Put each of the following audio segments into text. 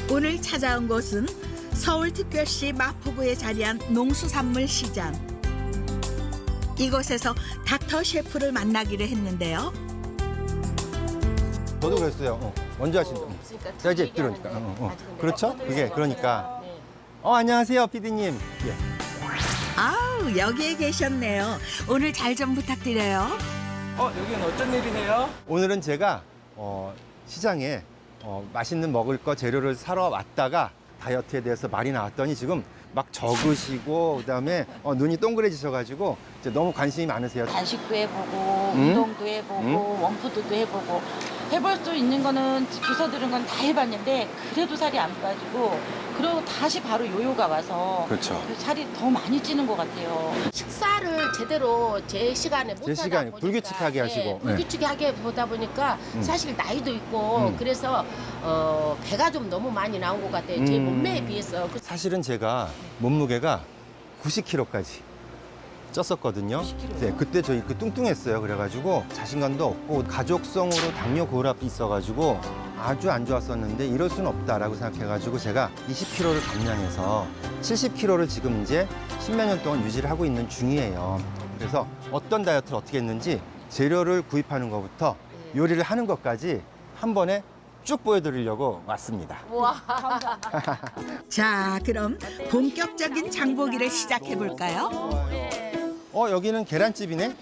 오늘 찾아온 곳은 서울특별시 마포구에 자리한 농수산물 시장. 이곳에서 닥터 셰프를 만나기로 했는데요. 저도 그랬어요. 먼저 하신다. 자, 이제 들어오니까. 그렇죠? 그게 그러니까. 안녕하세요, 피디님. 예. 아우, 여기에 계셨네요. 오늘 잘 좀 부탁드려요. 여기는 어쩐 일이네요? 오늘은 제가 시장에 맛있는 먹을 거 재료를 사러 왔다가 다이어트에 대해서 말이 나왔더니 지금 막 적으시고 그다음에 눈이 동그래지셔가지고 이제 너무 관심이 많으세요. 단식도 해보고 운동도 해보고 원푸드도 해보고 해볼 수 있는 거는 주워 들은 건 다 해봤는데 그래도 살이 안 빠지고 그리고 다시 바로 요요가 와서 그렇죠. 살이 더 많이 찌는 것 같아요. 식사를 제대로 제 시간에 못 제 시간에 불규칙하게 하시고. 불규칙하게 보다 보니까 사실 나이도 있고 그래서 배가 좀 너무 많이 나온 것 같아요. 제 몸매에 비해서. 사실은 제가 몸무게가 90kg까지 쪘었거든요. 90kg 요? 네, 그때 저희 뚱뚱했어요. 그래가지고 자신감도 없고 가족성으로 당뇨 고혈압이 있어가지고 아주 안 좋았었는데 이럴 수는 없다라고 생각해가지고 제가 20kg를 감량해서 70kg를 지금 이제 10몇 년 동안 유지를 하고 있는 중이에요. 그래서 어떤 다이어트를 어떻게 했는지 재료를 구입하는 것부터 요리를 하는 것까지 한 번에 쭉 보여드리려고 왔습니다. 자, 그럼 본격적인 장보기를 시작해 볼까요? 여기는 계란집이네?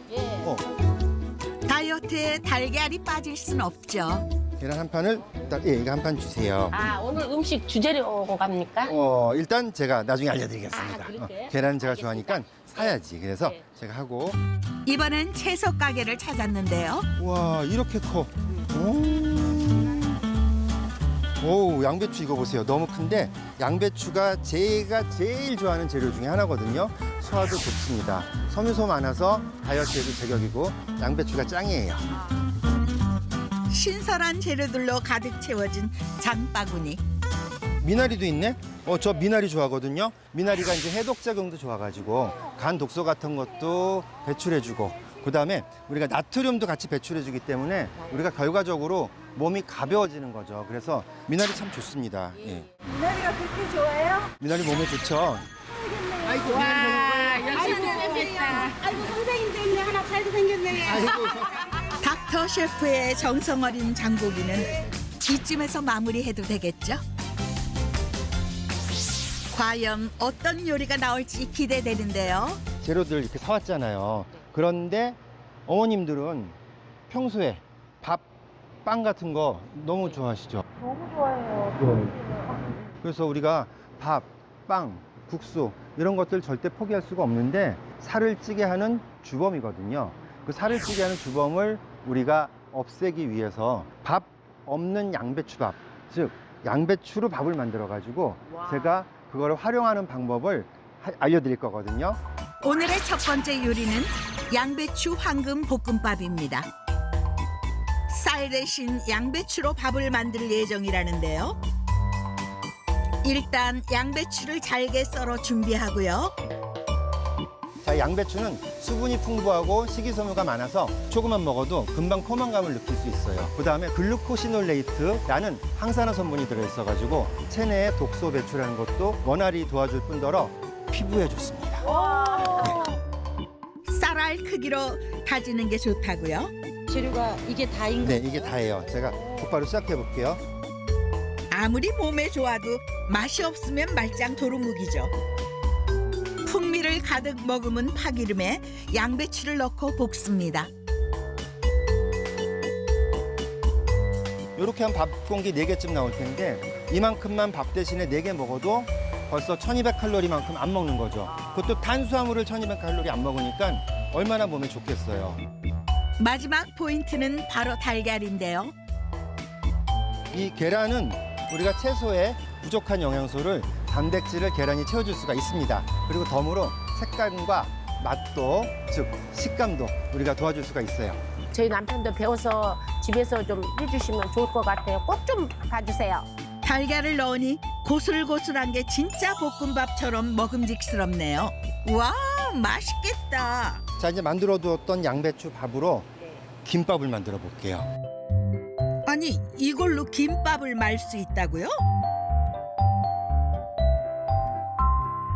다이어트에 달걀이 빠질 순 없죠. 계란 한 판을 이거 한 판 주세요. 아, 오늘 음식 주재료 갑니까? 일단 제가 나중에 알려드리겠습니다. 아, 그럴게요? 계란 제가 알겠습니다. 좋아하니까 사야지. 그래서 네. 제가 하고. 이번엔 채소 가게를 찾았는데요. 와, 이렇게 커. 오, 양배추 이거 보세요. 너무 큰데 양배추가 제가 제일 좋아하는 재료 중에 하나거든요. 소화도 좋습니다. 섬유소 많아서 다이어트에도 제격이고 양배추가 짱이에요. 신선한 재료들로 가득 채워진 장바구니. 미나리도 있네? 저 미나리 좋아하거든요. 미나리가 이제 해독 작용도 좋아가지고 간 독소 같은 것도 배출해주고 그다음에 우리가 나트륨도 같이 배출해주기 때문에 우리가 결과적으로 몸이 가벼워지는 거죠. 그래서 미나리 참 좋습니다. 예. 미나리가 그렇게 좋아요? 미나리 몸에 좋죠. 아이고 미나리 아이고, 생겼다. 아이고, 선생님 때문에 하나 살게 생겼네. 아이고. 닥터 셰프의 정성 어린 장보기는 이쯤에서 마무리해도 되겠죠? 과연 어떤 요리가 나올지 기대되는데요. 재료들 이렇게 사왔잖아요. 그런데 어머님들은 평소에 밥, 빵 같은 거 너무 좋아하시죠? 너무 좋아해요. 그래서 우리가 밥, 빵, 국수 이런 것들 절대 포기할 수가 없는데 살을 찌게 하는 주범이거든요. 그 살을 찌게 하는 주범을 우리가 없애기 위해서 밥 없는 양배추밥, 즉 양배추로 밥을 만들어 가지고 제가 그거를 활용하는 방법을 알려드릴 거거든요. 오늘의 첫 번째 요리는 양배추 황금 볶음밥입니다. 쌀 대신 양배추로 밥을 만들 예정이라는데요. 일단 양배추를 잘게 썰어 준비하고요. 자, 양배추는 수분이 풍부하고 식이섬유가 많아서 조금만 먹어도 금방 포만감을 느낄 수 있어요. 그다음에 글루코시놀레이트라는 항산화 성분이 들어있어가지고 체내의 독소 배출하는 것도 원활히 도와줄 뿐더러 피부에 좋습니다. 쌀알 크기로 다지는 게 좋다고요. 재료가 이게 다인 네, 거예요? 이게 다예요. 제가 곧바로 시작해 볼게요. 아무리 몸에 좋아도 맛이 없으면 말짱 도루묵이죠. 풍미를 가득 머금은 파기름에 양배추를 넣고 볶습니다. 이렇게 한 밥 공기 4개쯤 나올 텐데 이만큼만 밥 대신에 4개 먹어도 벌써 1200칼로리만큼 안 먹는 거죠. 그것도 탄수화물을 1200칼로리 안 먹으니까 얼마나 몸에 좋겠어요. 마지막 포인트는 바로 달걀인데요. 이 계란은 우리가 채소에 부족한 영양소를 단백질을 계란이 채워줄 수가 있습니다. 그리고 덤으로 색감과 맛도, 즉 식감도 우리가 도와줄 수가 있어요. 저희 남편도 배워서 집에서 좀 해주시면 좋을 것 같아요. 꼭 좀 봐주세요. 달걀을 넣으니 고슬고슬한 게 진짜 볶음밥처럼 먹음직스럽네요. 와, 맛있겠다. 자, 이제 만들어 두었던 양배추 밥으로 김밥을 만들어 볼게요. 아니, 이걸로 김밥을 말 수 있다고요?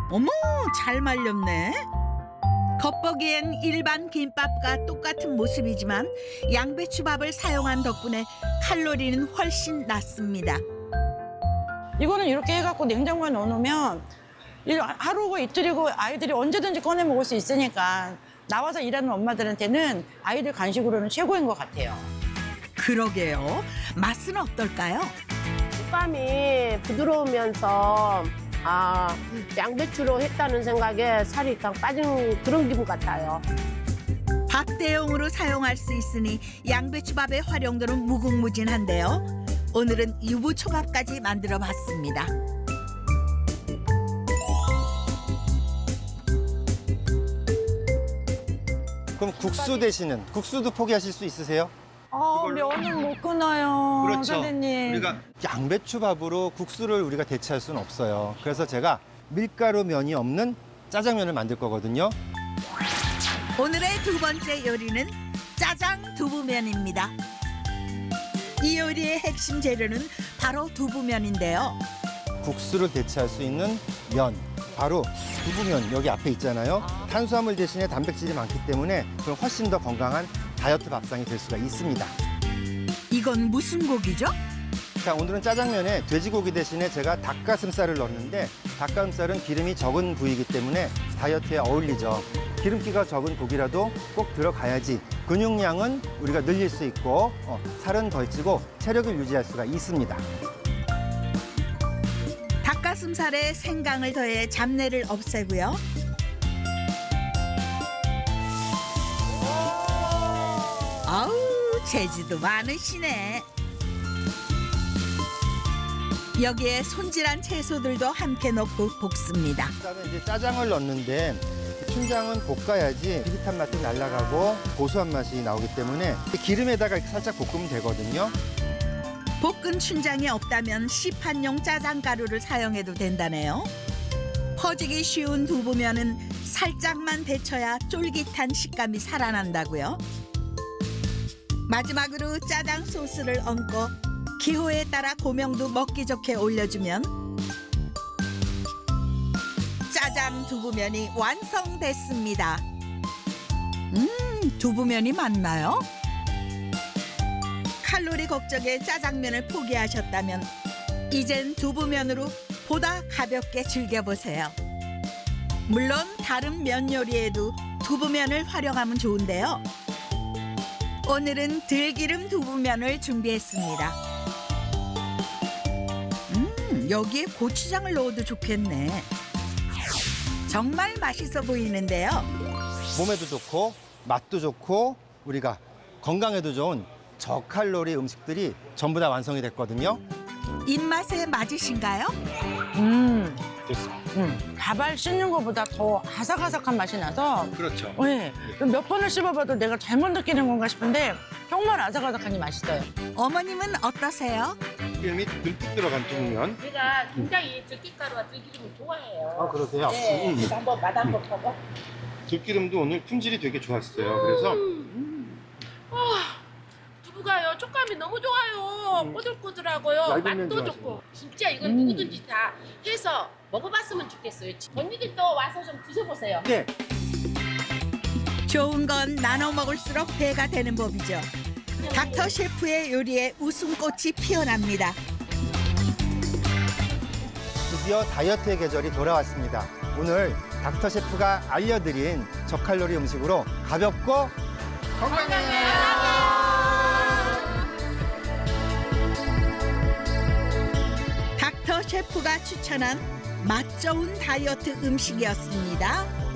어머, 잘 말렸네. 겉보기엔 일반 김밥과 똑같은 모습이지만 양배추밥을 사용한 덕분에 칼로리는 훨씬 낮습니다. 이거는 이렇게 해갖고 냉장고에 넣어놓으면 하루고 이틀이고 아이들이 언제든지 꺼내 먹을 수 있으니까 나와서 일하는 엄마들한테는 아이들 간식으로는 최고인 것 같아요. 그러게요. 맛은 어떨까요? 식감이 부드러우면서 양배추로 했다는 생각에 살이 딱 빠진 그런 기분 같아요. 밥 대용으로 사용할 수 있으니 양배추밥의 활용도는 무궁무진한데요. 오늘은 유부초밥까지 만들어 봤습니다. 그럼 국수 대신은 국수도 포기하실 수 있으세요? 면은 못 끊어요, 선생님. 우리가 양배추밥으로 국수를 우리가 대체할 수는 없어요. 그래서 제가 밀가루 면이 없는 짜장면을 만들 거거든요. 오늘의 두 번째 요리는 짜장 두부면입니다. 이 요리의 핵심 재료는 바로 두부면인데요. 국수를 대체할 수 있는 면, 바로 두부면 여기 앞에 있잖아요. 탄수화물 대신에 단백질이 많기 때문에 그럼 훨씬 더 건강한 다이어트 밥상이 될 수가 있습니다. 이건 무슨 고기죠? 자, 오늘은 짜장면에 돼지고기 대신에 제가 닭가슴살을 넣었는데 닭가슴살은 기름이 적은 부위이기 때문에 다이어트에 어울리죠. 기름기가 적은 고기라도 꼭 들어가야지 근육량은 우리가 늘릴 수 있고 살은 덜 찌고 체력을 유지할 수가 있습니다. 닭가슴살에 생강을 더해 잡내를 없애고요. 아우, 재주도 많으시네. 여기에 손질한 채소들도 함께 넣고 볶습니다. 그다음에 이제 짜장을 넣는데 춘장은 볶아야지 비릿한 맛도 날아가고 고소한 맛이 나오기 때문에 기름에다가 이렇게 살짝 볶으면 되거든요. 볶은 춘장이 없다면 시판용 짜장가루를 사용해도 된다네요. 퍼지기 쉬운 두부면은 살짝만 데쳐야 쫄깃한 식감이 살아난다고요. 마지막으로 짜장 소스를 얹고 기호에 따라 고명도 먹기 좋게 올려주면 짜장 두부면이 완성됐습니다. 두부면이 맞나요? 칼로리 걱정에 짜장면을 포기하셨다면 이젠 두부면으로 보다 가볍게 즐겨보세요. 물론 다른 면 요리에도 두부면을 활용하면 좋은데요. 오늘은 들기름 두부면을 준비했습니다. 여기에 고추장을 넣어도 좋겠네. 정말 맛있어 보이는데요. 몸에도 좋고 맛도 좋고 우리가 건강에도 좋은 저칼로리 음식들이 전부 다 완성이 됐거든요. 입맛에 맞으신가요? 밥알 씹는 것보다 더 아삭아삭한 맛이 나서 그렇죠. 네, 몇 번을 씹어봐도 내가 잘못 느끼는 건가 싶은데 정말 아삭아삭하니 맛있어요. 어머님은 어떠세요? 기름이 듬뿍 들어간 두부면. 제가 굉장히 들깨가루와 들기름을 좋아해요. 아, 그러세요? 네, 그래서 한번 맛 한번 보고. 들기름도 오늘 품질이 되게 좋았어요. 그래서 두부가요, 촉감이 너무 좋아요. 꼬들꼬들하고요. 얇은 면 맛도 좋아하시네. 좋고. 진짜 이건 누구든지 다 해서 먹어봤으면 좋겠어요. 언니들도 와서 좀 드셔보세요. 네. 좋은 건 나눠 먹을수록 배가 되는 법이죠. 닥터 셰프의 요리에 웃음꽃이 피어납니다. 드디어 다이어트의 계절이 돌아왔습니다. 오늘 닥터 셰프가 알려드린 저칼로리 음식으로 가볍고 닥터 셰프가 추천한 맛 좋은 다이어트 음식이었습니다.